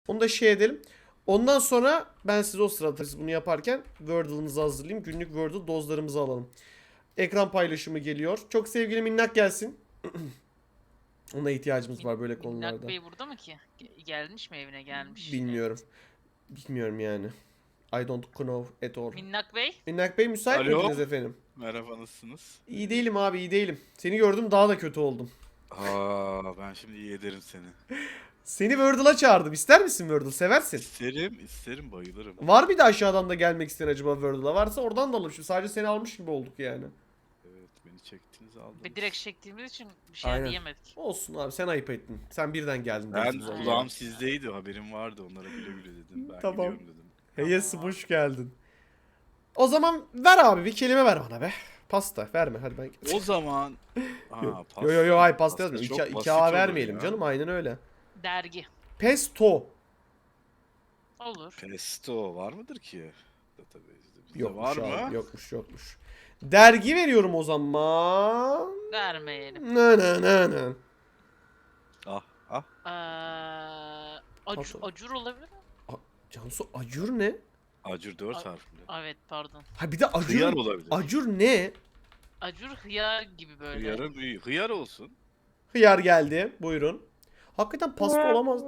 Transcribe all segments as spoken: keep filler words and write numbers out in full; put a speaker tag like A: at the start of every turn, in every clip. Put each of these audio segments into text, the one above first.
A: Onu da şey edelim. Ondan sonra ben size o sırada siz bunu yaparken Wordle'ımızı hazırlayayım. Günlük Wordle dozlarımızı alalım. Ekran paylaşımı geliyor. Çok sevgili Minnak gelsin. Ona ihtiyacımız var böyle konularda.
B: Minnak Bey burada mı ki? Ge- Gelmiş mi evine gelmiş?
A: Bilmiyorum. Bilmiyorum yani. I don't know at all.
B: Minnak Bey?
A: Minnak Bey müsait
C: Alo.
A: miydiniz efendim?
C: Merhaba, nasılsınız?
A: İyi değilim abi, iyi değilim. Seni gördüm daha da kötü oldum.
C: Aa, ben şimdi iyi ederim seni.
A: Seni Wordle'a çağırdım. İster misin Wordle? Seversin.
C: İsterim, isterim, bayılırım.
A: Var bir de aşağıdan da gelmek isteyen acaba Wordle'a? Varsa oradan da alalım. Şimdi sadece seni almış gibi olduk yani.
C: Evet, beni çektiniz, aldınız.
B: Ve direkt çektiğimiz için bir şey
A: Aynen.
B: diyemedik.
A: Olsun abi, sen ayıp ettin. Sen birden geldin.
C: Ben
A: biz ona.
C: kulağım sizdeydi, haberim vardı. Onlara güle güle dedim. Ben
A: Tamam.
C: gidiyorum dedim.
A: Heyes, hoş geldin. O zaman ver abi, bir kelime ver bana be. Pasta verme hadi ben.
C: O zaman... Aa,
A: Yo
C: pasta.
A: yo yo hayır, pasta
C: Pasta
A: yazmıyor.
C: çok
A: İki, iki
C: basit
A: A
C: olur
A: vermeyelim
C: ya.
A: canım, aynen öyle.
B: Dergi.
A: Pesto.
B: Olur.
C: Pesto var mıdır ki? Database'de. Bizde
A: Yokmuş
C: var
A: abi,
C: mı?
A: yokmuş yokmuş. Dergi veriyorum o zaman.
B: Vermeyelim.
A: Ne ne ne ne.
C: Ah, ah.
B: Ee, acur,
A: Pardon.
B: acur olabilir mi?
A: Cansu, acur ne?
C: Acur dört
B: A-
C: harfli.
B: Evet pardon.
A: Ha bir de acur.
C: Hıyar olabilir.
A: Acur ne?
B: Acur hıyar gibi böyle.
C: Hıyarın büyüğü. Hıyar olsun.
A: Hıyar geldi. Buyurun. Hakikaten pasta olamaz.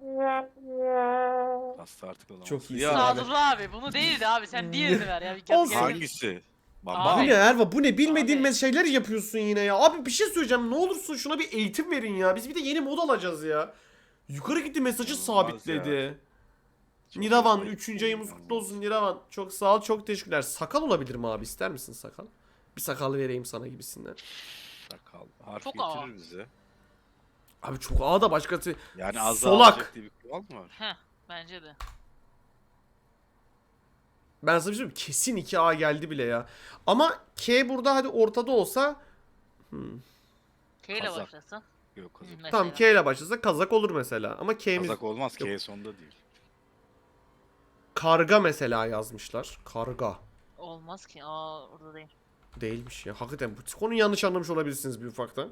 C: Pasta artık olamaz.
A: Çok iyi.
C: Hıyar.
A: Sağ ol.
B: Sadullah abi bunu değildi abi sen diğerini ver ya. Bir kez
A: Olsun.
B: gel-
C: Hangisi?
A: Bu
C: Bamba.
B: Abi.
A: ne Erva? Bu ne? Bilmediğin
B: Abi.
A: şeyler yapıyorsun yine ya. Abi bir şey söyleyeceğim. Ne olursun şuna bir eğitim verin ya. Biz bir de yeni mod alacağız ya. Yukarı gitti, mesajı
C: Olmaz
A: sabitledi.
C: Çok
A: Niravan
C: ayıp
A: üçüncü
C: değil,
A: ayımız kutlu
C: olmaz.
A: olsun Niravan. Çok sağ ol, çok teşekkürler. Sakal olabilir mi abi? İster misin sakal? Bir sakal vereyim sana gibisinden.
C: Sakal. Harf
B: Çok
C: getirir
B: ağır.
C: bize.
A: Abi çok ağ da başkası.
C: Yani az
A: Solak.
C: alacak diye bir kural mı var?
B: Heh bence de.
A: Ben sana bir şey söyleyeyim mi? Kesin iki A geldi bile ya. Ama K burada hadi ortada olsa. Hmm.
B: K ile
C: Kazak.
B: başlasa.
C: Yok, kazak.
B: Mesela.
A: Tamam, K ile başlasa kazak olur mesela. Ama K'miz
C: Kazak olmaz.
A: Yok.
C: K sonda değil.
A: karga mesela yazmışlar. Karga.
B: Olmaz ki. Aa orada değil.
A: Değilmiş ya. Hakikaten bu konuyu yanlış anlamış olabilirsiniz bir ufaktan.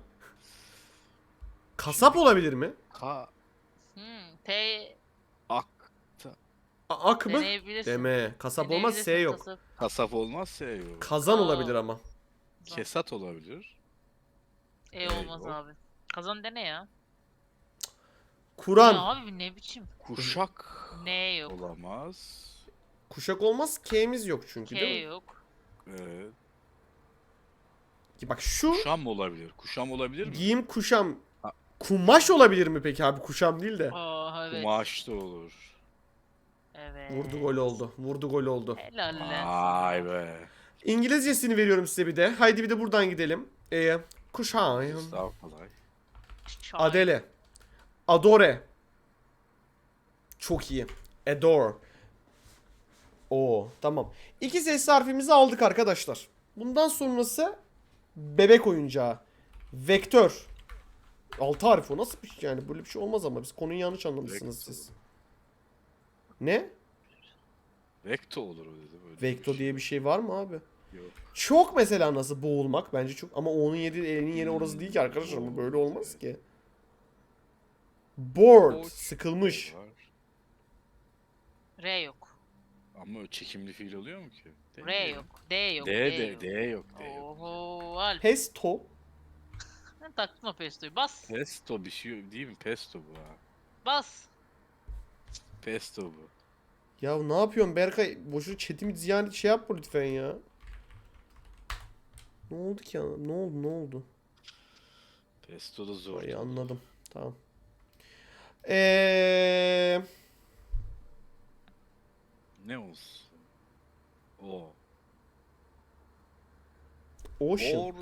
A: Kasap olabilir mi?
C: Ka
B: Hmm, T
C: ak
A: A- ak mı?
B: deneyebilirsin.
A: Deme. Kasap olmaz,
B: Deneyebilirsin,
A: S yok.
B: kasap.
C: kasap olmazsa E yok.
A: Kazan
B: Aa.
A: olabilir ama.
C: Kesat olabilir.
B: E
C: E
B: olmaz
C: yok.
B: abi. Kazan dene ya. Ne
A: Kur'an.
B: abi ne biçim?
C: Kuşak
B: Ne yok.
C: olamaz.
A: Kuşak olmaz, K'miz yok çünkü
B: K
A: değil mi?
B: yok.
C: Evet.
A: Ki bak şu
C: Kuşam olabilir. Kuşam olabilir mi?
A: giyim kuşam.
C: Ha.
A: Kumaş olabilir mi peki abi? Kuşam değil de.
B: Aa evet.
C: Kumaş da olur.
B: Evet.
A: Vurdu gol oldu. Vurdu gol oldu.
B: Helal lan
C: Vay
B: sana.
C: be.
A: İngilizcesini veriyorum size bir de. Haydi bir de buradan gidelim. Ee, kuşağım.
C: Daha kolay.
B: Şahane.
A: Adele. Adore. Çok iyi. Adore. Oo, tamam. İki sesli harfimizi aldık arkadaşlar. Bundan sonrası bebek oyuncağı. Vektör. Altı harf o nasıl bir şey yani? Böyle bir şey olmaz ama biz konuyu yanlış anlamışsınız
C: Vekto.
A: siz. Ne?
C: Vekto olur o dedi. Böyle
A: Vekto diye bir şey var mı abi?
C: Yok.
A: Çok mesela nasıl boğulmak bence çok, ama onun yeri elinin yeri orası değil ki
C: Hmm,
A: arkadaşlar, ama
C: doğru,
A: böyle olmaz
C: evet.
A: ki. Bored,
C: Boş
A: sıkılmış.
C: var.
B: R yok.
C: Ama o çekimli fiil oluyor mu ki? Değil
B: R
C: mi?
B: yok. D yok.
C: D,
B: D,
C: D,
B: yok.
C: D yok. D yok.
B: Oho Alp.
A: Pesto.
B: Ben taktım o pestoyu. Bas.
C: Pesto bir şey değil mi? Pesto bu ha.
B: Bas.
C: Pesto bu.
A: Ya ne yapıyorsun Berkay? Boşuna chatimi ziyan şey yapma lütfen ya. Ne oldu ki ya? Ne oldu ne oldu?
C: Pesto da zor.
A: Ay anladım. Tamam. Eee
C: Ne olsun? O.
A: Ocean.
C: Or.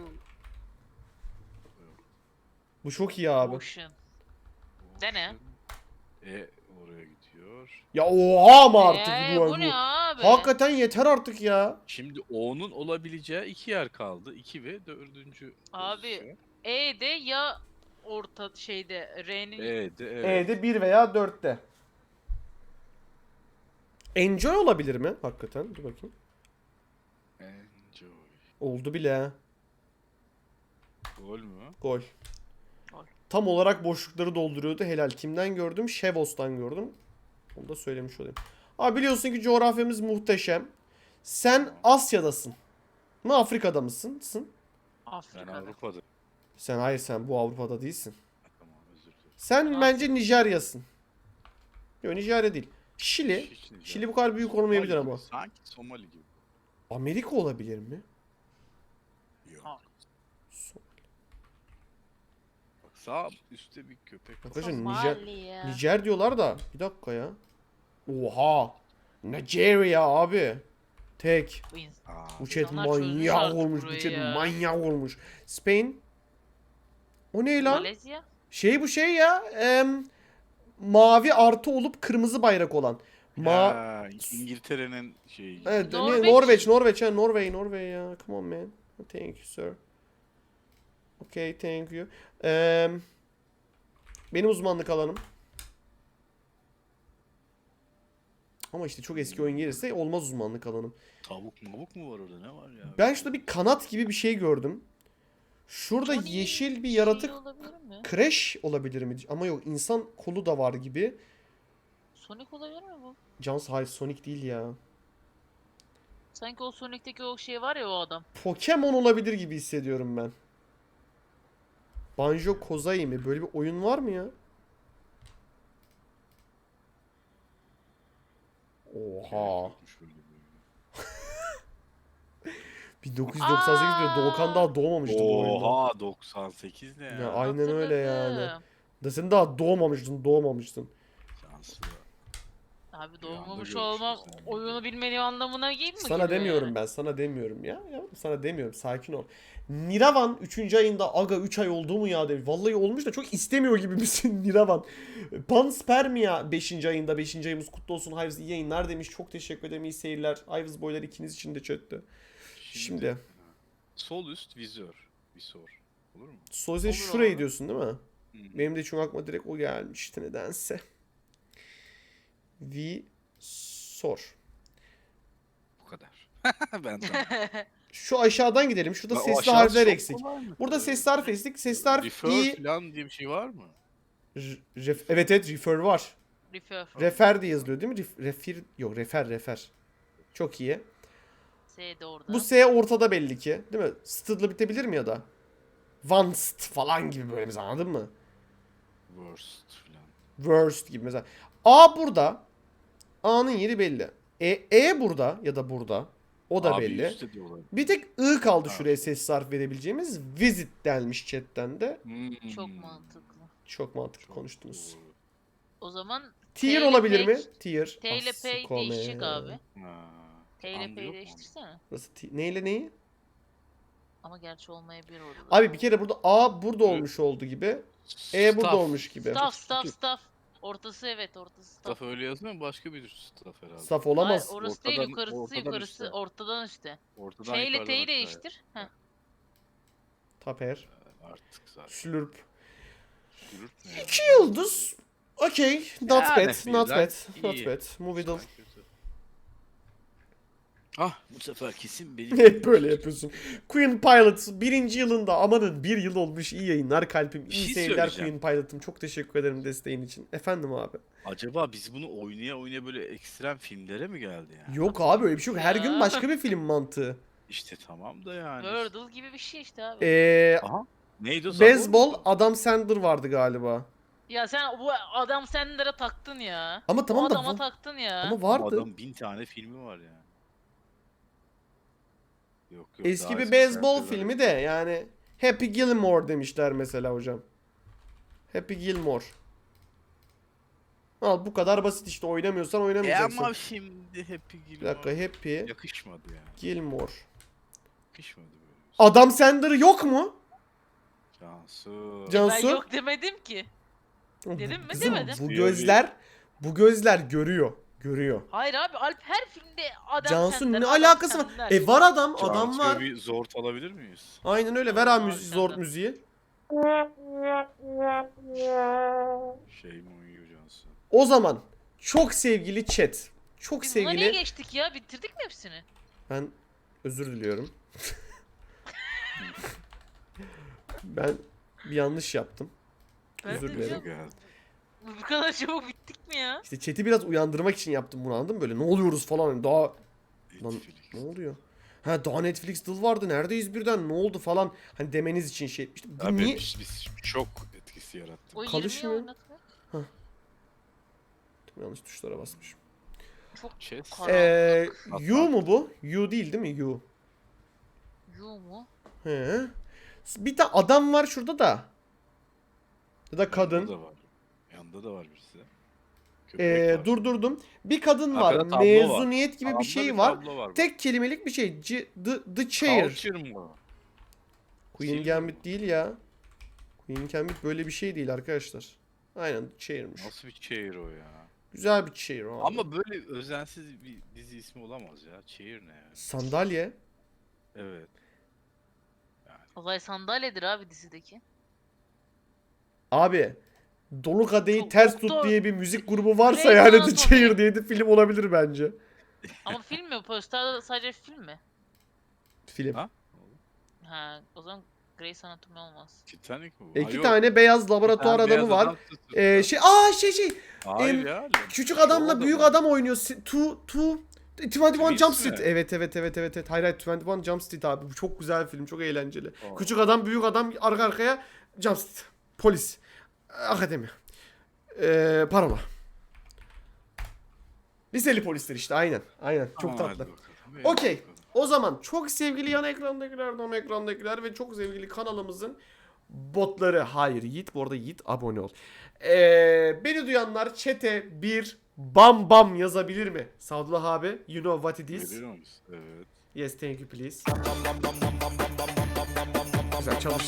A: Bu çok iyi abi.
B: Ocean. Dene.
C: E oraya gidiyor.
A: Ya oha ama artık
B: Ee,
A: bu.
B: bu ne abi?
A: Hakikaten yeter artık ya.
C: Şimdi O'nun olabileceği iki yer kaldı. İki ve dördüncü
B: Abi,
C: pozisyon.
B: E de ya orta şeyde R'nin
C: E'de evet.
A: E'de bir veya dörtte. Enjoy olabilir mi? Hakikaten. Dur bakayım.
C: Enjoy.
A: Oldu bile.
C: Gol mü?
A: Gol.
B: Gol.
A: Tam olarak boşlukları dolduruyordu. Helal. Kimden gördüm? Şevos'tan gördüm. Onu da söylemiş olayım. Abi biliyorsun ki coğrafyamız muhteşem. Sen Asya'dasın. mı Afrika'da mısın? Sın?
C: Ben
B: Afrika'da.
C: Avrupa'da.
A: Sen hayır sen bu Avrupa'da değilsin.
C: Tamam özür dilerim.
A: Sen
B: Ben
A: bence Nijerya'sın. Yok Nijerya değil. Şili.
C: Hiç- hiç değil.
A: Şili bu kadar büyük
C: Somali
A: olmayabilir
C: gibi,
A: ama.
C: Sanki Somali gibi.
A: Amerika olabilir mi?
C: Yok.
B: Ha.
C: Bak sağ üstte bir köpek. var.
A: Arkadaşlar Nijer,
B: Somaliya.
A: Nijer diyorlar da. Bir dakika ya. Oha. Nigeria abi. Tek.
B: Bu ins-
C: Aa,
A: Bu chat
B: İnsanlar çözmüş
A: manyak
B: artık
A: olmuş. Bu
B: burayı
A: chat
B: ya.
A: manyak olmuş. Spain. O ne lan?
B: Malezya.
A: Şey bu şey ya. em, mavi artı olup kırmızı bayrak olan. Ma
C: Ha, İngiltere'nin şeyi.
A: Evet,
B: Norveç.
A: Norveç. Norveç, Norveç, ha, Norway, Norway ya. Come on man. Thank you sir. Okay, thank you. Em, benim uzmanlık alanım. Ama işte çok eski oyun gelirse olmaz uzmanlık alanım.
C: Tavuk mavuk mu var orada, ne var ya?
A: Ben şurada bir kanat gibi bir şey gördüm. Şurada
B: Johnny
A: yeşil bir
B: şey
A: yaratık
B: olabilir mi?
A: Crash olabilir mi? Ama yok, insan kolu da var gibi.
B: Sonic olabilir mi bu?
A: Cans hayır, Sonic değil ya.
B: Sanki o Sonic'teki o şey var ya o adam.
A: Pokemon olabilir gibi hissediyorum ben. Banjo Kazooie mi? Böyle bir oyun var mı ya? Oha.
C: Yokmuş böyle bir oyun.
A: bin dokuz yüz doksan sekiz diyor. Doğukan daha doğmamıştı bu oyunda.
C: Oha doksan sekiz ne ya?
A: Ya aynen öyle yani.
B: Hatırladım.
A: Da sen daha doğmamıştın, doğmamıştın.
C: Şanslı.
B: Abi
C: Bir anda
B: doğmamış
C: görüşürüz
B: olmam
C: yani.
B: oyunu bilmediğim anlamına değil mi?
A: Sana demiyorum ben, sana demiyorum ya. Ya sana demiyorum, sakin ol. Niravan üçüncü ayında aga üç ay oldu mu ya demiş. Vallahi olmuş da çok istemiyor gibi misin Niravan? Panspermia beşinci ayında, beşinci ayımız kutlu olsun. Hayvız iyi yayınlar demiş. Çok teşekkür ederim, iyi seyirler. Hayvız boylar ikiniz için de chatte. Şimdi.
C: Sol üst vizör. Visor. Olur mu?
A: Soze
B: Olur
A: şurayı
B: abi.
A: diyorsun değil mi?
C: Hı.
A: Benim de çünkü aklıma direkt o gelmişti nedense. Vi sor.
C: Bu kadar. ben tamam.
A: Şu aşağıdan gidelim. Şurada
C: Ya o
A: sesli
C: aşağı
A: harfler
C: çok
A: eksik.
C: kolay mı?
A: Burada
C: Ee,
A: sesli harf eksik. Sesli harf
C: Refer
A: i.
C: falan diye bir şey var mı?
A: R- ref- evet evet refer var.
B: Refer.
A: Refer diye yazılıyor değil mi? Ref- refir yok refer refer. Çok iyi.
B: S de orada.
A: Bu S ortada belli ki. Değil mi? St'la bitebilir mi ya da? Vanst falan gibi böyle mesela, anladın mı?
C: Worst falan.
A: Worst gibi mesela. A burada. A'nın yeri belli. E, e burada ya da burada. O da
C: Abi
A: belli.
C: üstte diyorlar.
A: Bir tek I kaldı
C: Ha.
A: şuraya ses harf verebileceğimiz. Visit denmiş chatten de.
C: Hmm.
B: Çok mantıklı.
A: Çok mantıklı
C: Çok
A: konuştunuz.
C: doğru.
B: O zaman
A: Tier
B: T ile
A: olabilir
B: P-
A: mi? Tier.
B: T ile P
A: Asikome.
B: değişecek abi.
C: Ha.
B: T ile
C: Andı
B: P'yi
C: yok mu?
B: değiştirsene.
A: Burası T- neyle neyi?
B: Ama gerçi olmayabilir orada. da.
A: Abi bir kere burada A burada olmuş oldu gibi. E burada
C: Staff.
A: olmuş gibi.
B: Staff staff staff. Ortası evet ortası staff.
C: Staff öyle yazmıyor mu? Başka bir staff herhalde.
A: Saf
B: Hayır,
A: olamaz.
B: orası değil
C: Ortadan-
B: yukarısı
C: ortadan
B: yukarısı
C: işte.
B: ortadan işte.
C: Ortadan
B: F ile
C: yukarıdan
B: T'yi
C: aşağıya.
B: değiştir. Heh.
A: Taper.
C: Artık zaten.
A: Slurp.
C: Yürür mü ya?
A: İki yıldız. Okay. Not
C: Yani
A: bad. Not
C: birden
A: bad. Not
C: iyi.
A: bad. Movie
C: Güzel, güzel. Ah bu sefer kesin benim.
A: Hep böyle yapıyorsun. Queen Pilot birinci yılında, amanın bir yıl olmuş, iyi yayınlar kalbim.
C: Bir
A: İyi
C: şey
A: seyirler
C: söyleyeceğim.
A: Queen Pilot'ım. Çok teşekkür ederim desteğin için. Efendim abi.
C: Acaba biz bunu oynaya oynaya böyle ekstrem filmlere mi geldi yani?
A: Yok abi öyle bir şey yok. Her gün
B: Ya.
A: başka bir film mantığı.
C: İşte tamam da yani.
B: Wordle gibi bir şey işte abi.
A: Eee...
C: Aha. Neydi o?
A: Beyzbol
C: Sabor mu?
A: Adam Sandler vardı galiba.
B: Ya sen bu adam Sandler'a taktın ya.
A: Ama tamam
B: o
A: da
B: adama
A: bu-
B: taktın ya.
A: Ama
C: Bu
A: vardı.
C: Adam bin tane filmi var yani. Yok yok.
A: Eski
C: daha
A: bir
C: eski
A: beyzbol
C: şarkılar.
A: filmi de yani Happy Gilmore demişler mesela hocam. Happy Gilmore. Al bu kadar basit işte, oynamıyorsan
C: E
A: oynamayacaksın.
C: ama şimdi Happy
A: Bir
C: Gilmore.
A: dakika, Happy
C: Yakışmadı yani.
A: Gilmore.
C: Yakışmadı böyle.
A: Adam Sandler yok mu?
C: Cansu.
A: Cansu?
B: Ben yok demedim ki. Dedim mi?
A: Kızım,
B: Demedim.
A: bu
C: Bir-
A: gözler bu gözler görüyor. Görüyor.
B: Hayır abi Alp her filmde adam
A: Cansu
B: Sandler,
A: ne
B: adam
A: alakası var?
B: Sandler.
A: E var adam, adam
C: Cansu'ya
A: var.
C: bir zort alabilir miyiz?
A: Aynen öyle. Ver abi
B: Adam
A: müziği, zor
B: Sandler.
A: müziği.
C: Şey mi uyuyor Cansu?
A: O zaman çok sevgili chat. Çok
B: Biz buna niye
A: sevgili.
B: geçtik ya? Bitirdik mi hepsini?
A: Ben özür diliyorum. Ben bir yanlış yaptım.
B: Ben
A: Özür
B: de
A: dilerim.
B: diyorum,
C: Geldi.
B: Bu kadar çabuk bittik mi ya?
A: İşte chat'i biraz uyandırmak için yaptım bunu, anladın mı? Böyle ne oluyoruz falan. Hani daha lan ne oluyor? Ha daha Netflix dıl vardı. Neredeyiz birden? Ne oldu falan. Hani demeniz için şey etmiştim. Bu
C: Abi
A: niye?
C: biz, biz şok etkisi yarattık.
B: O
A: Kalışmıyor.
B: yirmiyi oynatmak.
A: Yanlış tuşlara basmışım.
B: Çok
C: Chess.
B: karanlık.
A: Ee,
C: Hatta-
A: U mu bu? U değil değil mi? U.
B: Yu mu?
A: He. Bir tane adam var şurada da. Ya da
C: Yanında
A: kadın.
C: da var. Yanında da var birisi. Köpek
A: Ee,
C: var.
A: durdurdum. Bir kadın var.
C: Arkada tablo var.
A: Mezuniyet gibi
C: Sağında
A: bir şey
C: bir
A: var.
C: tablo var bak.
A: Tek kelimelik bir şey. C the, the chair.
C: Culture mı?
A: Queen
C: Silver
A: Gambit
C: mı?
A: değil ya. Queen Gambit böyle bir şey değil arkadaşlar. Aynen chair'miş.
C: Nasıl bir chair o ya?
A: Güzel bir chair abi.
C: Ama böyle özensiz bir dizi ismi olamaz ya. Chair ne yani?
A: Sandalye.
C: Evet.
B: Olay sandalyedir abi dizideki.
A: Abi Dolu Kadehi
B: Çok-
A: Ters
B: çok
A: Tut
B: da-
A: diye bir müzik grubu varsa
B: Grey's
A: yani The
B: Anatomy.
A: Chair diye de film olabilir bence.
B: Ama film mi? Posterde sadece film mi?
A: Film.
C: Ha?
B: Ha, o zaman Grey's Anatomy olmaz.
C: Titanic mi bu? Ha,
A: İki
C: yok.
A: tane beyaz
C: Bir
A: laboratuvar
C: tane
A: adamı
C: beyaz
A: var.
C: adam tutuyor.
A: Ee, şey aa şey şey
C: Hayır
A: em,
C: ya.
A: küçük
C: Şu
A: adamla büyük
C: adamı.
A: adam oynuyor. Si- Two two yirmi bir
C: Twins
A: Jump
C: mi?
A: Street. Evet evet evet evet evet. Hayır hayır yirmi bir Jump Street abi. Bu çok güzel bir film. Çok eğlenceli.
C: Aa.
A: Küçük adam büyük adam arka arkaya Jump Street. Polis. Akademi. Ee, parola. Liseli polisler işte aynen. Aynen. Çok
C: Aa,
A: tatlı.
C: hadi bakalım. İyi,
A: Okey.
C: bakalım.
A: O zaman çok sevgili yan ekrandakiler, don ekrandakiler ve çok sevgili kanalımızın botları. Hayır Yiğit. Bu arada Yiğit abone ol. Ee, beni duyanlar chat'e bir bam bam yazabilir mi? Sadullah abi. You know what it is.
C: Görüyor musun? Evet.
A: Yes thank you please. Güzel çalıştı.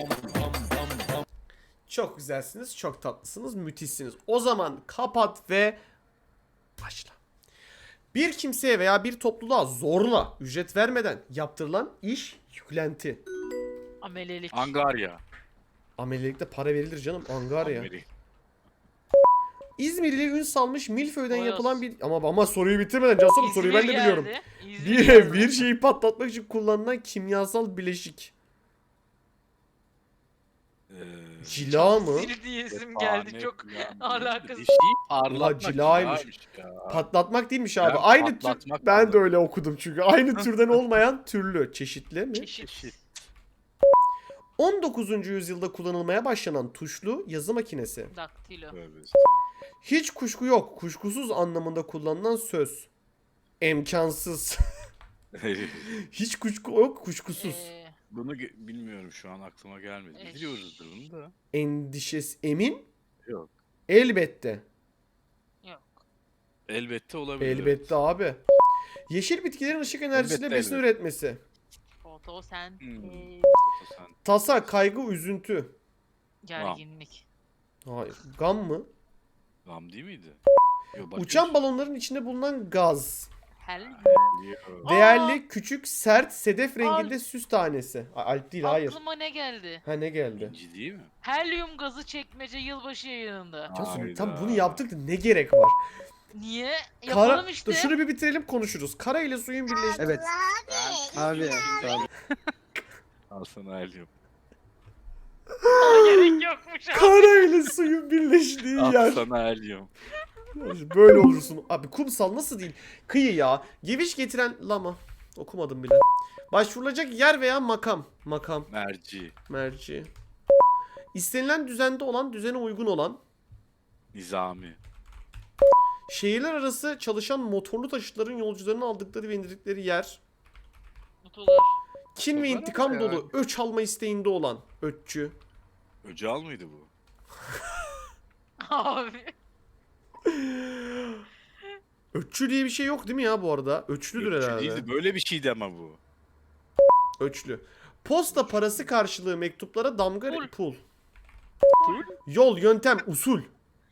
A: Çok güzelsiniz. Çok tatlısınız. Müthişsiniz. O zaman kapat ve başla. Bir kimseye veya bir topluluğa zorla ücret vermeden yaptırılan iş yüklenti.
B: Amelelik.
C: Angarya.
A: Amelilikte para verilir canım. Angarya.
C: Amerika.
A: İzmirli ün salmış milföyden
B: Boyoz.
A: yapılan bir... Ama ama soruyu bitirmeden Cansu bu soruyu ben de
B: İzmir
A: biliyorum.
B: geldi. İzmir
A: Bir,
B: geldi.
A: bir şeyi patlatmak için kullanılan kimyasal bileşik.
C: Ee,
A: Cila mı?
B: Sil diyesim geldi. Çok alakasız.
C: Bir şeyi parlatmak.
A: cilaymış.
C: cilaymış ya.
A: Patlatmak değilmiş abi.
C: Ben
A: Aynı tür...
C: patlatmak
A: Ben de
C: anladım.
A: öyle okudum çünkü. Aynı türden olmayan türlü. Çeşitli mi?
B: Çeşit.
C: Çeşit.
A: on dokuzuncu yüzyılda kullanılmaya başlanan tuşlu yazı makinesi.
B: Daktilo.
C: Tövbe
A: Hiç kuşku yok. Kuşkusuz anlamında kullanılan söz. İmkansız.
C: estağfurullah.
A: Hiç kuşku yok. Kuşkusuz.
B: Ee,
C: Bunu ge- bilmiyorum şu an aklıma gelmedi.
B: Eş.
C: Biliyoruzdur bunu da.
A: Endişesi emin.
C: Yok.
A: Elbette.
B: yok.
C: Elbette olabilir.
A: Elbette abi. Yeşil bitkilerin ışık enerjisiyle
C: Elbette,
A: besin
C: elbette.
A: üretmesi.
B: Fotosen.
C: Hmm.
B: ee,
C: Sen-
A: Tasa, kaygı, üzüntü.
B: gerginlik.
A: Hayır. Gam mı?
C: Gam değil miydi? Yok, başka
A: Uçan
C: bir
A: balonların içinde bulunan gaz.
B: Hel.
C: şey. Yok.
A: Değerli, küçük, sert, sedef renginde
B: Alp.
A: süs tanesi. A- Alp değil, hayır.
B: Aklıma ne geldi?
A: Ha ne geldi?
C: İnci değil mi?
B: Helyum gazı çekmece yılbaşı yayınında.
A: Cansu
C: Hayda.
A: tam bunu yaptık da ne gerek var?
B: Niye? Yapalım
A: Kara...
B: işte.
A: Dur şunu bir bitirelim konuşuruz. Kara ile suyun birleştiği.
D: Evet. Abi. Abi.
C: Al sana helyum.
B: Aa, gerek yokmuş abi.
A: Kara ile suyun birleştiği
C: Al
A: yer.
C: sana helyum.
A: Böyle olursun. Abi kumsal nasıl değil? Kıyı ya. Geviş getiren lama. Okumadım bile. Başvurulacak yer veya makam. Makam.
C: Merci.
A: Merci. İstenilen düzende olan, düzene uygun olan.
C: Nizami.
A: Şehirler arası çalışan motorlu taşıtların yolcularını aldıkları ve indirdikleri yer.
B: Mutlular.
A: Kin ve
C: Bunlar
A: intikam
C: ama ya.
A: dolu, öç alma isteğinde olan. Öççü.
C: Öcal mıydı bu?
B: Abi.
A: Öççü diye bir şey yok değil mi ya bu arada? Öçlüdür
C: Ökçü
A: herhalde.
C: değildi, böyle bir şeydi ama bu.
A: Öçlü. Posta parası karşılığı mektuplara damga
B: Pul.
A: pul.
C: Pul?
A: Yol, yöntem, usul.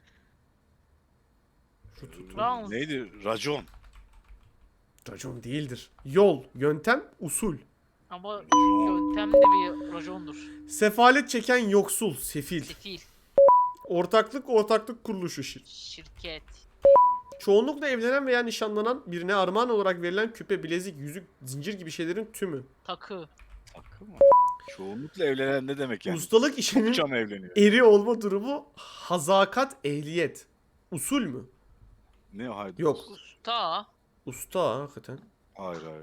A: Şu tut.
B: Rounds.
C: Neydi? Racon.
A: Racon değildir. Yol, yöntem, usul.
B: Ama
C: Racon.
B: yöntem de bir racondur.
A: Sefalet çeken yoksul, sefil.
B: Sefil.
A: Ortaklık, ortaklık kuruluşu. şir-
B: Şirket.
A: Çoğunlukla evlenen veya nişanlanan birine armağan olarak verilen küpe, bilezik, yüzük, zincir gibi şeylerin tümü.
B: Takı.
C: Takı mı? Çoğunlukla evlenen ne demek yani?
A: Ustalık işinin
C: Çokça mı evleniyor?
A: eri olma durumu hazakat, ehliyet. Usul mü?
C: Ne o haydi?
A: Yok.
B: Usta.
A: Usta ha, hakikaten.
C: Hayır hayır.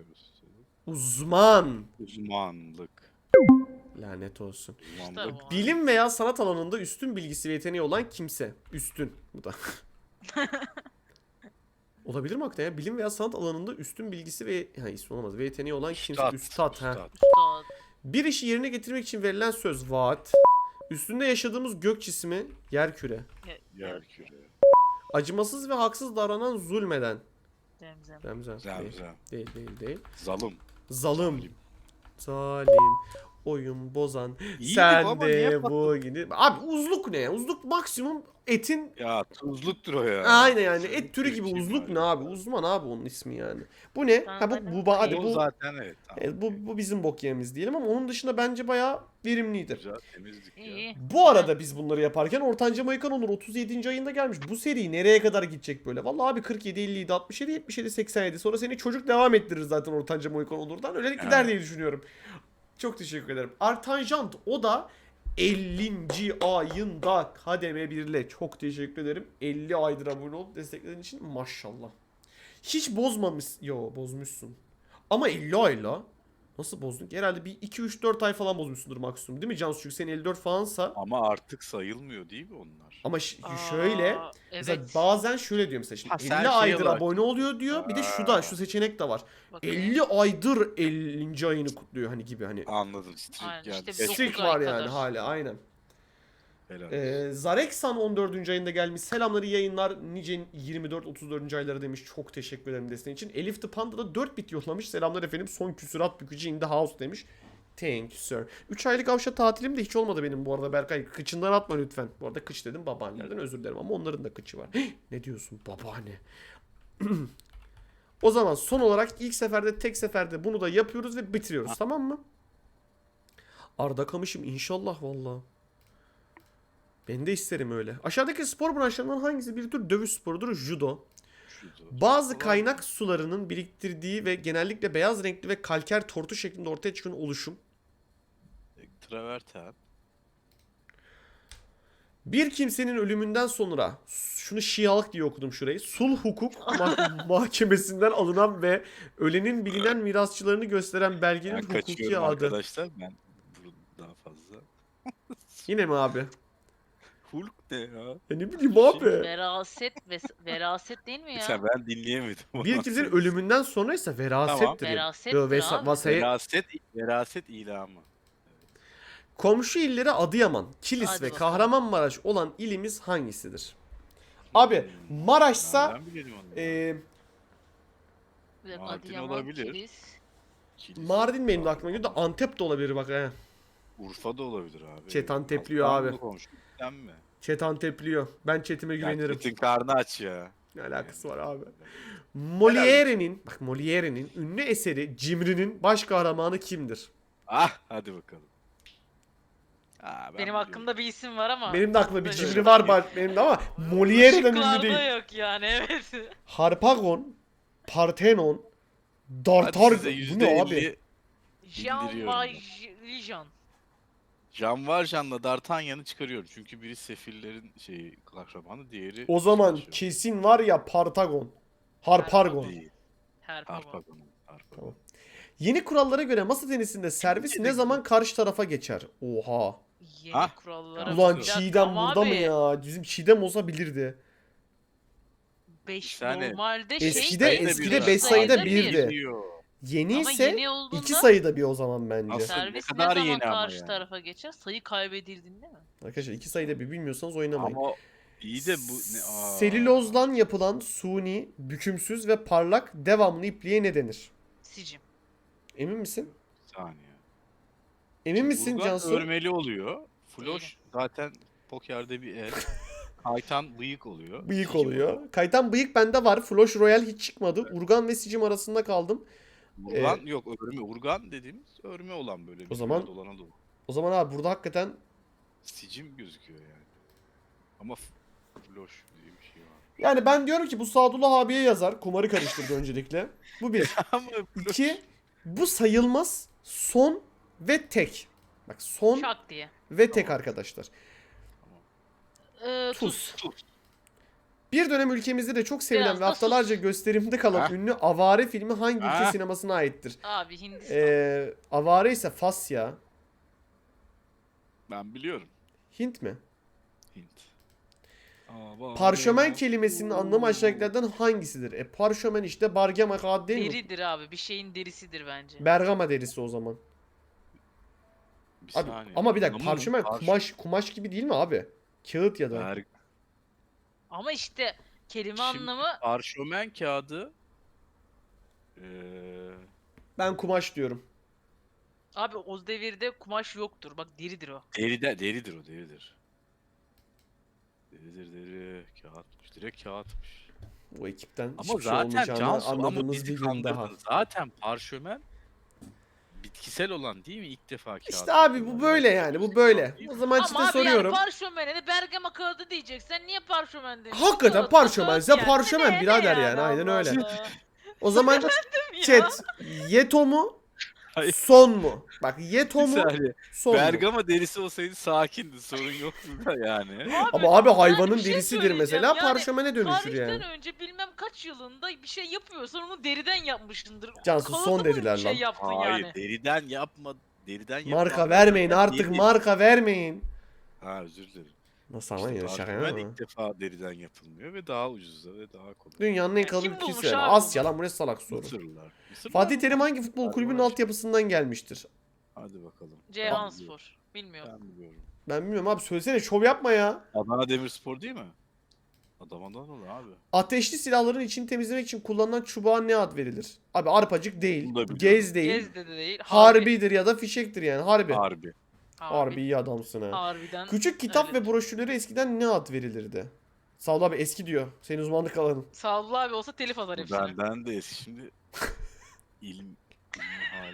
A: Uzman.
C: Uzmanlık.
A: Lanet olsun.
C: Uzmanlık.
B: Usta.
A: Bilim veya sanat alanında üstün bilgisi ve yeteneği olan kimse. Üstün. Bu da. Olabilir mi hakikaten ya? Bilim veya sanat alanında üstün bilgisi ve ha, ismi olmaz. Ve yeteneği olan kimse.
C: Üstad.
A: Üstad. Ha.
C: Üstad.
B: Usta.
A: Bir işi yerine getirmek için verilen söz vaat. Üstünde yaşadığımız gök cismi yerküre.
C: Yerküre.
A: Acımasız ve haksız davranan zulmeden.
B: Zemzem.
A: Zemzem. Değil.
C: Zemzem.
A: Değil değil değil.
C: Zalım.
A: Zalım.
C: Zalim.
A: Zalim. Oyun bozan.
C: İyiydi
A: Sen
C: baba,
A: de
C: niye
A: bu gibi. Abi uzluk ne ya? Uzluk maksimum etin.
C: Ya tuzluktur o ya.
A: Aynen yani
C: Tuzluk
A: et türü
C: bir
A: gibi
C: şey
A: uzluk
C: var
A: ne
C: ya.
A: abi? Uzman abi onun ismi yani. Bu ne? Ha bu bu ba- hadi
C: O
A: bu
C: zaten evet. Tamam.
A: evet, bu bu bizim bok yemimiz diyelim ama onun dışında bence bayağı verimlidir.
C: Güzel temizlik ya.
B: İyi.
A: Bu arada biz bunları yaparken Ortanca Mayıkan Onur otuz yedinci ayında gelmiş. Bu seri nereye kadar gidecek böyle? Vallahi abi kırk yedi, elli yedi, altmış yedi, yetmiş yedi, seksen yedi. Sonra seni çocuk devam ettirir zaten Ortanca Mayıkan Onur'dan. Öyle gider
C: Evet.
A: diye düşünüyorum. Çok teşekkür ederim. Artanjant o da ellinci ayında kademe birle. Çok teşekkür ederim. elli aydır abone olup desteklediğin için maşallah. Hiç bozmamış. Yo bozmuşsun. Ama elli ayla. Nasıl bozdun ki? Herhalde bir iki üç dört ay falan bozmuşsundur maksimum. Değil mi Cansu? Çünkü senin elli dört falansa.
C: Ama artık sayılmıyor değil mi onlar?
A: Ama ş-
B: Aa,
A: şöyle. Mesela
B: Evet.
A: bazen şöyle diyor mesela. Şimdi
C: Ha, sen
A: elli
C: şey
A: aydır
C: olarak-
A: abone oluyor diyor. Bir de şu da şu seçenek de var.
B: Bakayım.
A: elli aydır ellinci ayını kutluyor hani gibi hani.
C: Anladım. Strik
B: Aynen,
C: geldi.
B: işte
C: Geç-
B: dokuz
A: Streak
B: ay
A: var
B: kadar.
A: yani hala aynen.
C: Helal olsun.
A: Ee, Zareksan on dördüncü ayında gelmiş. Selamları yayınlar. Nice yirmi dört otuz dördüncü ayları demiş. Çok teşekkür ederim desteğin için. Elif the Panda da dört bit yollamış. Selamlar efendim. Son küsurat bükücü in the house demiş. Thank you sir. üç aylık avşa tatilim de hiç olmadı benim bu arada Berkay. Kıçından atma lütfen. Bu arada kıç dedim babaannelerden özür dilerim ama onların da kıçı var. Ne diyorsun babaanne? O zaman son olarak ilk seferde tek seferde bunu da yapıyoruz ve bitiriyoruz tamam mı? Arda Kamış'ım inşallah valla. Ben de isterim öyle. Aşağıdaki spor branşlarından hangisi bir tür dövüş sporudur? Judo.
C: Şurada.
A: Bazı
C: Kolay.
A: kaynak sularının biriktirdiği ve genellikle beyaz renkli ve kalker tortu şeklinde ortaya çıkan oluşum.
C: Traverten.
A: Bir kimsenin ölümünden sonra şunu şialık diye okudum şurayı. Sulh hukuk ma- mahkemesinden alınan ve ölenin bilinen mirasçılarını gösteren belgenin
C: Ben
A: hukuki
C: kaçıyorum
A: adı.
C: arkadaşlar. Ben bunu daha fazla.
A: Yine mi abi?
C: Hulk ne ya?
A: Ya ne bileyim abi.
B: Veraset ve veraset değil mi ya?
C: Sen ben dinleyemedim.
A: Bir kimsenin ölümünden sonraysa verasettir.
B: Verasettir
A: Yo, vesa-
B: abi.
A: vasaya-
C: Veraset, veraset ilamı.
A: Komşu illeri Adıyaman, Kilis
B: Hadi
A: ve
B: bakalım.
A: Kahramanmaraş olan ilimiz hangisidir? Abi Maraş'sa
C: Nereden bilelim onu?
A: e,
B: Bir dakika,
C: Mardin
B: Adıyaman,
C: olabilir.
B: Kilis.
C: Kilis.
A: Mardin benim de aklıma geliyor da Antep de olabilir bak he.
C: Urfa da olabilir abi.
A: Chat Antepliyor
C: Aslanlı
A: abi.
C: komşu. Sen mi?
A: Chat Antepliyor. Ben chatime
C: Ya
A: güvenirim.
C: Chat'in karnı aç ya.
A: Ne alakası var abi? Molière'nin, bak Molière'nin ünlü eseri Cimri'nin baş kahramanı kimdir?
C: Ah hadi bakalım. Aa, ben
B: Benim
C: biliyorum.
B: hakkımda bir isim var ama.
A: Benim de aklımda bir
B: Böyle
A: Cimri
B: şey.
A: var ba- benim de ama Molière'den ünlü
B: Şıklarda
A: değil.
B: yok yani evet.
A: Harpagon, Parthenon,
C: Hadi
A: Dartar.
C: size
A: Bu
C: yüzde
A: ne abi?
C: elli
B: Jean
C: Bildiriyorum
B: Valjean.
C: Jean Valjean'la D'Artagnan'ı çıkarıyorum. Çünkü biri sefillerin şeyi kahramanı, diğeri
A: O zaman
C: savaşıyor.
A: kesin var ya Partagon. Harpargon.
C: Değil.
B: Herpagon.
C: Harpagon. Harpagon.
A: Tamam. Yeni kurallara göre masa tenisinde servis ne zaman karşı tarafa geçer? Oha.
B: Yeni
C: Hah.
B: kurallara.
A: Ulan
B: Bir dakika
A: Çiğdem
B: ama
A: burada mı
B: abi,
A: ya? Bizim Çiğdem olsa bilirdi.
B: Beş
C: Yani
B: normalde
A: eskide-
B: şey.
C: Sayıda
A: eskide
C: bir
A: beş
C: var.
A: sayıda
C: Sadece
A: birdi.
C: diyor.
A: Yeni
B: Ama
A: ise
B: yeni olduğunda
A: iki sayıda bir o zaman bence.
C: Nasıl?
B: servis
C: Ne
B: ne,
C: kadar
B: zaman
C: yeni ama
B: karşı
C: yani.
B: tarafa geçer? Sayı kaybedildiğinde mi?
A: Arkadaşlar iki sayıda bir bilmiyorsanız oynamayın.
C: Ama iyi de bu ne? Aa.
A: Selülozdan yapılan suni, bükümsüz ve parlak devamlı ipliğe ne denir?
B: Sicim.
A: Emin misin?
C: Bir saniye.
A: Emin misin
C: Urgan
A: Cansu?
C: örmeli oluyor. Floş
B: Değilim.
C: zaten pokerde bir el. Kaytan bıyık oluyor.
A: Bıyık
C: Sicim
A: oluyor. Kaytan bıyık bende var. Floş Royal hiç çıkmadı. Urgan ve Sicim arasında kaldım.
C: Urgan yok örme. Urgan dediğimiz örme olan böyle.
A: O
C: bir
A: zaman-
C: dolana doğru.
A: O zaman abi burada hakikaten
C: Sicim gözüküyor yani. Ama f- floş diye bir şey var.
A: yani ben diyorum ki bu Sadullah abiye yazar. Kumarı karıştırdı öncelikle. Bu bir.
C: Ama floş-
A: İki. Bu sayılmaz. Son ve tek. Bak son
B: Şak diye.
A: ve tek
C: Tamam.
A: arkadaşlar.
B: Ee,
A: Tuz.
B: tuz.
A: Bir dönem ülkemizde de çok sevilen
B: Biraz
A: ve
B: da
A: haftalarca
B: sus.
A: gösterimde kalan
C: Ha?
A: ünlü Avare filmi hangi ülke
C: Ha?
A: sinemasına aittir?
B: Abi Hindistan.
A: Ee, Avare ise Fas ya.
C: Ben biliyorum.
A: Hint mi?
C: Hint. Aa,
A: Parşömen
C: bak.
A: kelimesinin anlamı aşağıdakilerden hangisidir? E parşömen işte Bergama kağıdı değil mi?
B: Deridir abi. Bir şeyin derisidir bence.
A: Bergama derisi o zaman.
C: Bir
A: Abi,
C: saniye.
A: ama bir dakika
C: Anlamadım.
A: parşömen
C: Parş-
A: kumaş kumaş gibi değil mi abi? Kağıt ya da.
C: Berg-
B: Ama işte kelime
C: Şimdi
B: anlamı
C: Parşömen kağıdı eee
A: Ben kumaş diyorum.
B: abi o devirde kumaş yoktur. Bak deridir o.
C: deride deridir o deridir. Deridir deri kağıtmış direkt kağıtmış.
A: Bu ekipten
C: Ama
A: hiçbir şey
C: zaten
A: olmayacağını
C: Cansu ama
A: anladığımız
C: bizi
A: bir gün daha.
C: kandırdın. Zaten parşömen bitkisel olan değil mi? İlk defa kağıt.
A: İşte abi bu böyle yani bu böyle. O zaman
B: Ama
A: işte
B: abi
A: soruyorum.
B: yani parşömene de Bergama kağıdı diyeceksen niye parşömen demişsin?
A: Hakikaten
B: Kağıt,
A: parşömense
B: kağıt yani.
A: parşömen
B: Ne- ne
A: birader yani, aynen
B: Allah
A: öyle.
B: Allah.
A: O zaman
B: Ya.
A: chat Yeto mu?
C: Hayır.
A: Son mu? Bak Yeto
C: Bir
A: mu?
C: saniye.
A: Son mu?
C: Bergama derisi olsaydı sakindi sorun yoktu da yani.
A: Ama abi
B: yani
A: hayvanın
B: bir şey
A: derisidir
B: söyleyeceğim.
A: mesela
B: Yani
A: parşömene dönüşür
B: Tarihten
A: yani.
B: önce bilmem kaç yılında bir şey yapıyorsan onu deriden yapmışsındır.
A: Cansu,
B: Kalıbı
A: son
B: mı
A: dediler
B: bir şey
A: lan.
B: yaptın
C: Hayır
B: yani.
C: deriden yapma. Deriden
A: Marka
C: yapma.
A: vermeyin
C: Bergama
A: artık,
C: değil.
A: marka vermeyin.
C: Ha özür dilerim.
A: Nasıl ama
C: İşte
A: ya şaka
C: parşömen
A: ya.
C: ilk defa deriden yapılmıyor ve daha ucuza ve daha kolay.
A: Dünyanın en
B: Ya
A: kalın
B: kim
A: ülkesi
B: bulmuş
A: yani.
B: abi
A: Asya
B: bunu?
A: lan, bu ne salak soru.
C: Mısırlılar. Mısırlılar
A: Fatih
C: mı?
A: Terim hangi futbol
C: Bergama
A: kulübünün
C: derisi.
A: altyapısından gelmiştir?
C: Hadi bakalım.
B: Ceyhanspor. Bilmiyorum.
C: Ben biliyorum.
A: Ben bilmiyorum abi, söylesene, şov yapma ya.
C: Adana Demirspor değil mi? Adama'dan ol abi.
A: Ateşli silahların içini temizlemek için kullanılan çubuğa ne ad verilir? Abi arpacık değil,
C: Bunu da biliyorum.
A: gez değil,
B: Gezde de değil.
A: harbidir ya da fişektir yani, harbi.
C: Harbi.
A: Harbi iyi adamsın ha.
B: Harbiden.
A: Küçük kitap
B: öyledir.
A: ve broşürlere eskiden ne ad verilirdi? Sağ ol abi, eski diyor. Senin uzmanlık alanın.
B: Sağlıklı abi olsa telif atar hepsini.
C: Benden de eski şimdi ilim ilmi hal.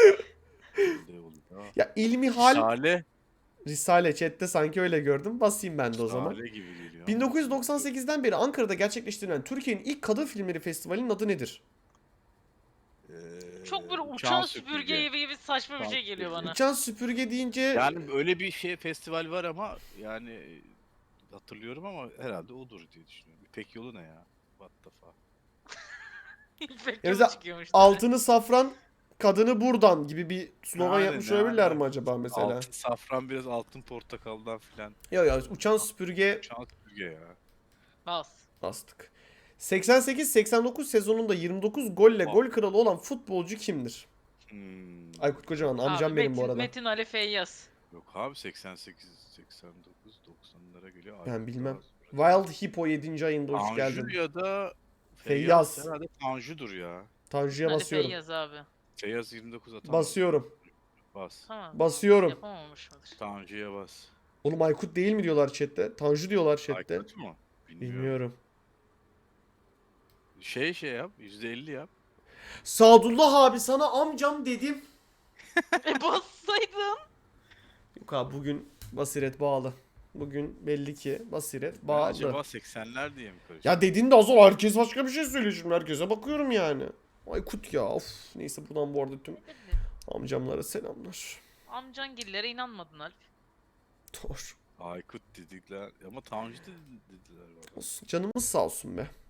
C: Ne oldu ya?
A: Ya ilmi hal
C: Risale.
A: Risale chatte sanki öyle gördüm. Basayım ben de o zaman.
C: Risale gibi geliyor.
A: bin dokuz yüz doksan sekizden beri Ankara'da gerçekleştirilen Türkiye'nin ilk kadın filmleri festivalinin adı nedir?
C: Ee,
B: Çok böyle uçan süpürge gibi gibi saçma bir
C: Uçan
B: şey geliyor
C: süpürge.
B: bana.
A: Uçan süpürge deyince
C: Yani öyle bir şey festival var ama yani hatırlıyorum ama herhalde odur diye düşünüyorum. İpek yolu ne ya? What the fuck?
B: İpek
A: Ya
B: yolu
A: mesela
B: çıkıyormuş.
A: altını safran, kadını buradan gibi bir slogan
C: Aynen,
A: yapmış olabilirler
C: aynen.
A: mi acaba mesela?
C: Altın safran biraz altın portakaldan filan.
A: Yok ya, uçan süpürge
C: Uçan süpürge ya.
B: Bas.
A: bastık. seksen sekiz seksen dokuz sezonunda yirmi dokuz golle
C: Oh.
A: gol kralı olan futbolcu kimdir?
C: Hmm.
A: Aykut Kocaman amcam
B: Abi,
A: benim
B: Metin,
A: bu arada.
B: Metin Ali Feyyaz.
C: Yok abi seksen sekiz seksen dokuz doksanlara geliyor.
A: Ben
C: Aykut
A: bilmem.
C: Kocaman.
A: Wild Hippo yedinci ayında hoş
C: Tanju
A: geldin.
C: ya da
A: Feyyaz.
C: Feyyaz. Herhalde Tanju'dur ya.
A: Tanju'ya
B: Ali
A: basıyorum.
B: Feyyaz abi.
C: Feyyaz yirmi dokuz atamaz.
A: Basıyorum.
C: Bas.
B: Tamam.
A: Basıyorum.
B: Yapamamış mıdır?
C: Tanju'ya bas.
A: Oğlum Aykut değil mi diyorlar chatte? Tanju diyorlar chatte.
C: Aykut mu? Bilmiyorum.
A: Bilmiyorum.
C: Şey şey yap. yüzde elli yap.
A: Sadullah abi, sana amcam dedim.
B: e bassaydın.
A: Yok abi, bugün basiret bağlı. Bugün belli ki basiret
C: Ben
A: bağlı.
C: acaba seksenler diye mi karıştı?
A: Ya dediğin de az ol, herkes başka bir şey söylüyor şimdi, herkese bakıyorum yani. Aykut ya, of. Neyse, buradan bu arada tüm amcamlara selamlar.
B: Amcangillere inanmadın Alp.
A: Doğru.
C: Aykut dedikler ama Tanju dedi- dediler bana.
A: Olsun. Canımız sağ olsun be.